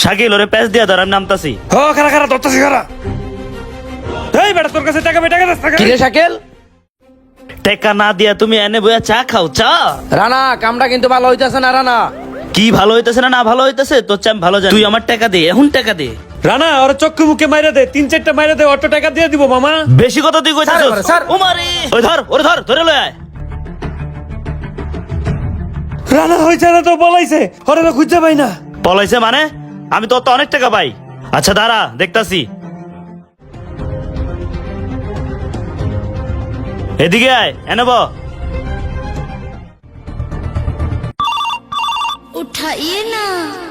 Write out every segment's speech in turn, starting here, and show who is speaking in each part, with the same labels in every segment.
Speaker 1: শাকিল ওরে প্যাচ দিয়া ধর, আমি নামতাছি।
Speaker 2: ও খারা খারা ধরতেছি খারা। এই বেটা তোর কাছে টাকা টাকা দে
Speaker 3: কিরে শাকিল,
Speaker 1: টেকা না দিয়া তুমি এনে বইয়া চা খাও? চা
Speaker 3: রানা কামটা কিন্তু ভালো হইতাছে না রানা।
Speaker 1: কি ভালো হইতেছে না ভালো হইতেছে তোর চেয়ে আমি ভালো জানি। তুই আমার টাকা দে, এখন টাকা দে।
Speaker 2: রানা ওর চক্ষু মুখে মাইরা দে, 3-4টা মাইরা দে, অটো টাকা দিয়ে দিব মামা।
Speaker 1: বেশি কথা তুই কইতাছস।
Speaker 3: Sir, sir.
Speaker 1: ও মারে, ওই ধর, ওরে ধর, ধরে লয় আয়।
Speaker 2: রানা হইছে না তো বলাইছে, ওরে তো খুঁজে পাই না।
Speaker 1: পলাইছে মানে? আমি তো অনেক টাকা পাই। আচ্ছা দাঁড়া, দেখতাছি। এদিকে আয়, এনে ব।
Speaker 4: उठाइए ना।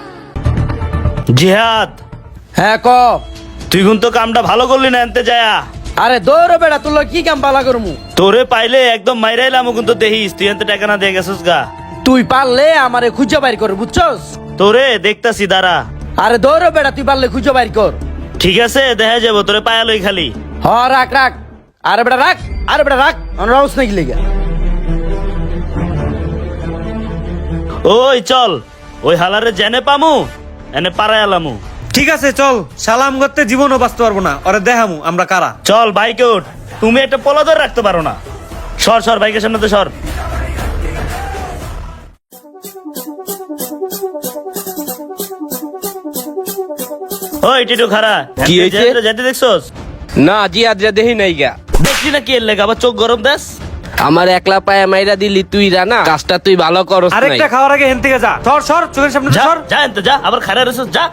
Speaker 1: জিহাদ,
Speaker 3: হ্যাঁ ক।
Speaker 1: তুই কিন্তু কামটা ভালো করলি না এনতে যায়া।
Speaker 3: আরে দৌড় বেটা, তুই কি কাম পালা করমু?
Speaker 1: তোরে পাইলে একদম মাইরাইলাম, কিন্তু দেখিস তুই এনতে টাকা না দিয়ে গেছিস গা।
Speaker 3: তুই পারলে আমারে খুঁজে বাইর কর, বুঝছস?
Speaker 1: তোরে দেখতাছি, দাঁড়া।
Speaker 3: আরে দৌড় বেটা, তুই পারলে খুঁজে বাইর কর।
Speaker 1: ঠিক আছে, দেখা যাবো। তোরে পায়ালই খালি।
Speaker 3: হ রাখ রাখ। আরে বেটা রাখ, আরে বেটা রাখ, আমার রাউস নাকি লেগে।
Speaker 1: ওই চল, ওই হালারে জেনে পামু, এনে পাড়ায় আলামু।
Speaker 2: ঠিক আছে চল, সালাম করতে জীবনও বাঁচতে পারবো না, ওরে দেখামু আমরা কারা।
Speaker 1: চল বাইকে উঠ। তুমি একটা পোলা ধরে রাখতে পারো না। সর সর, বাইকের সামনে তো সর। ওই টিটু খারা,
Speaker 3: কি হয়েছে?
Speaker 1: যেতে দেখছস?
Speaker 3: না জিয়াদরা দেখি নাই গা।
Speaker 1: দেখছি না কি এর লেগে, আবার চোখ গরম দেশ।
Speaker 5: আমার একলা পায়ে মাইরা দিলি তুই রানা, কাজটা তুই ভালো করস নাই।
Speaker 2: আরেকটা খাওয়ার আগে হেন থেকে যা, সর সর, চোখের সামনে
Speaker 1: যা
Speaker 2: সর।
Speaker 1: যা এনতে যা, আবার খারা রসস যা।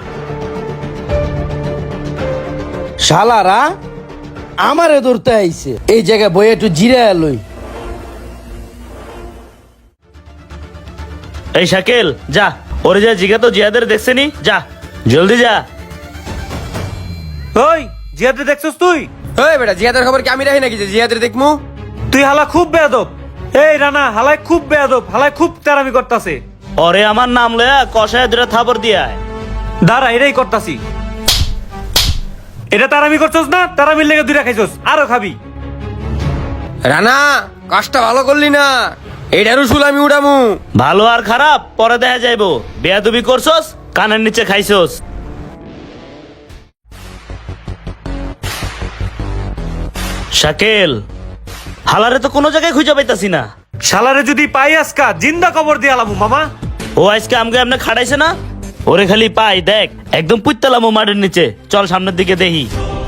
Speaker 3: শালারা আমারে ধরতে আইছে, এই জায়গায় বই একটু জিরে লই।
Speaker 1: এই শাকিল যা, ওরে যা জিগা তো জিয়াদের দেখছেনি, যা জলদি যা।
Speaker 2: ওই জিয়াদে দেখছস তুই?
Speaker 5: ওই বেটা জিয়াদের খবর কি আমি রাখি নাকি যে জিয়াদের দেখমু?
Speaker 2: তুই হালা খুব বেয়াদব। এই রানা হালাই খুব বেয়াদব, হালাই খুব তেরামি করতাছে।
Speaker 1: ওরে আমার নাম লয়া কষায় দুটা থাপড় দিয়া আয়।
Speaker 2: দাঁড়া, এটাই করতাছি। এটা তারামি করছস না? তারামির লেগে দুইটা খাইছস, আরো খাবি।
Speaker 5: রানা কাজটা ভালো করলি না, এইটারও শুল আমি উড়ামু।
Speaker 1: ভালো আর খারাপ পরে দেখা যাইবো। বেয়াদবি করছস, কানের নিচে খাইছস। শাকিল, হালারে তো কোনো জায়গায় খুঁজে পাইতাছি না।
Speaker 2: শালারে যদি পাই আজকা জিন্দা কবর দিয়ে আলামু মামা।
Speaker 1: ও আজকে আমগে এমনি খাড়াইছে না, ওরে খালি পাই দেখ একদম পুইতালামো মাটির নিচে। চল সামনের দিকে দেখি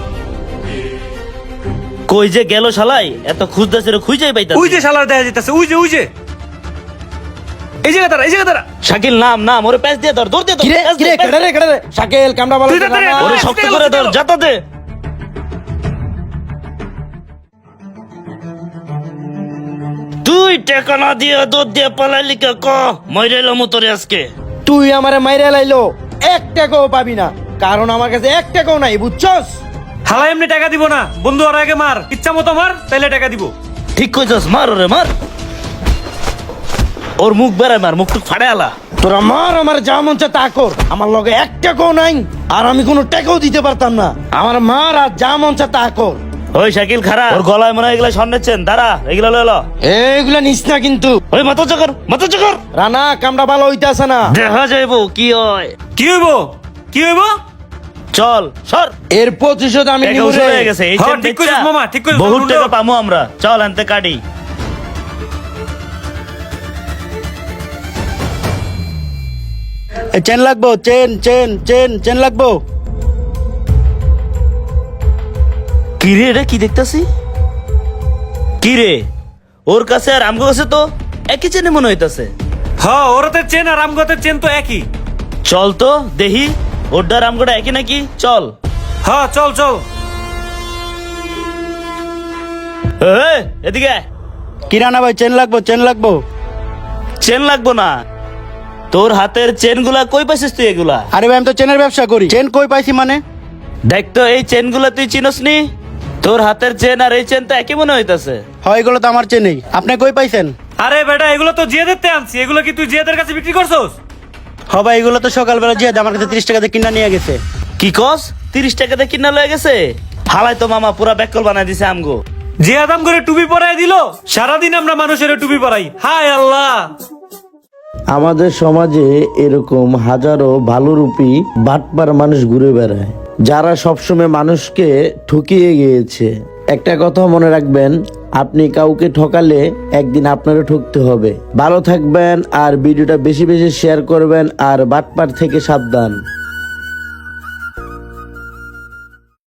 Speaker 1: কই যে গেল শালাই। এত খুঁজতেছে রে, খুঁজেই পাইতাছি।
Speaker 2: ওই যে শালার দেখা যাইতাছে, ওই যে ওই যে এই জায়গা দাঁড়া, এই জায়গা দাঁড়া।
Speaker 1: শাকিল নাম নাম, ওরে প্যাচ দিয়ে ধর, ধর দিয়ে ধর,
Speaker 3: কিরে
Speaker 1: প্যাচ দে,
Speaker 3: কিরে
Speaker 1: প্যাচ দে।
Speaker 3: কেডা রে শাকিল কামটা ভালো
Speaker 2: তুই
Speaker 3: হইছে
Speaker 2: তাড়াতাড়ি
Speaker 3: না?
Speaker 1: ওরে শক্ত করে ধর, যাতা দে। তুই টেকা না দিয়ে দুধ দিয়ে পালাইলি কে ক? মইরাইলাম তোরে আজকে।
Speaker 3: তুই আমারে মাইরা লাইলো, এক টাকাও পাবি না, কারণ আমার কাছে এক টাকাও নাই, বুঝছস?
Speaker 2: হালা এমনি টাকা দিব না বন্ধু, ওর আগে মার, ইচ্ছা মতো মার, তাইলে টাকা দিব।
Speaker 1: ঠিক কইছস, মার ওরে মার। ওর মুখ বেড়ায় মার, মুখ টুক ফাড়ে আলা।
Speaker 3: তোরা মার, আমার যা মন চায় তা কর, আমার লগে এক টাকাও নাই, আর আমি কোনো টাকাও দিতে পারতাম না। আমার মার আর যা মন চায় তা কর।
Speaker 1: ওই শাকিল খারাপ, ওর গলায় মনে হয় এগুলা স্বর্ণের, দাঁড়া এগুলা লয়ে ল।
Speaker 3: এইগুলা নিস না কিন্তু।
Speaker 1: ওই মাথা চকর, মাথা চকর।
Speaker 3: রানা কামটা ভালো হইতাছে না।
Speaker 1: দেখা যাইবো কি হয়।
Speaker 2: কি হইব, কি হইব?
Speaker 1: চল সর।
Speaker 3: এর প্রতিশোধ আমি
Speaker 1: টাকা
Speaker 3: নিব
Speaker 1: উসুল
Speaker 3: রে।
Speaker 1: হয়ে গেছে, এই
Speaker 2: হ্যাঁ,
Speaker 1: চেন
Speaker 2: ঠিক
Speaker 1: বেচা
Speaker 2: কইছিস মামা, ঠিক কইছিস,
Speaker 1: বহুত
Speaker 2: বন্ধু।
Speaker 1: টাকা পামু আমরা। চল আনতে কাটি।
Speaker 6: চেন লাগবো, চেন চেন চেন চেন লাগবো।
Speaker 1: কি রে, এটা কি দেখতাছি? কি রে, ওর কাছে আর আমগো কাছে তো একই চেনে মনে হইতাছে।
Speaker 2: হ্যাঁ, ওরতে চেন আর আমগতের চেন তো একই।
Speaker 1: চল তো দেখি ওরডার আমগোটা একই নাকি। চল।
Speaker 2: হ্যাঁ চল চল।
Speaker 1: এই, এদিকে আয়।
Speaker 6: কিরানা ভাই চেন লাগবো, চেন লাগবো।
Speaker 1: চেন লাগবো না, তোর হাতের চেন গুলা কই পাইছিস তুই এগুলা?
Speaker 6: আরে ভাই আমি তো চেনের ব্যবসা করি, চেন কই পাইছি মানে?
Speaker 1: দেখ তো এই চেন গুলা তুই চিনস নি? তোর হাতের চেন আর এই চেন তো একই মনে হইতাছে।
Speaker 6: হয় এগুলো তো আমার চেনই, আপনি কই পাইছেন?
Speaker 2: আরে বেটা, এগুলো তো জিয়াদের তে আনছি, এগুলো কি তুই জিয়াদের কাছে বিক্রি করছস?
Speaker 6: হবা এগুলো তো সকালবেলা জিয়াদ আমার কাছে 30 টাকাতে কিনা নিয়ে গেছে।
Speaker 1: কি কস? 30 টাকাতে কিনা লয়ে গেছে? হালাই তো মামা পুরা ব্যাকল বানাই দিছে আমগো।
Speaker 2: জিয়াদ আম করে টুপি পরাই দিল, সারাদিন আমরা মানুষের টুপি পরাই। হায় আল্লাহ।
Speaker 3: আমাদের সমাজে এরকম হাজারো ভালোরূপী বাটপার মানুষ ঘুরে বেড়ায়, যারা সবসময় মানুষকে ঠকিয়ে গিয়েছে। একটা কথা মনে রাখবেন, আপনি কাউকে ঠকালে একদিন আপনারও ঠকতে হবে। ভালো থাকবেন আর ভিডিওটা বেশি বেশি শেয়ার করবেন আর বাটপার থেকে সাবধান।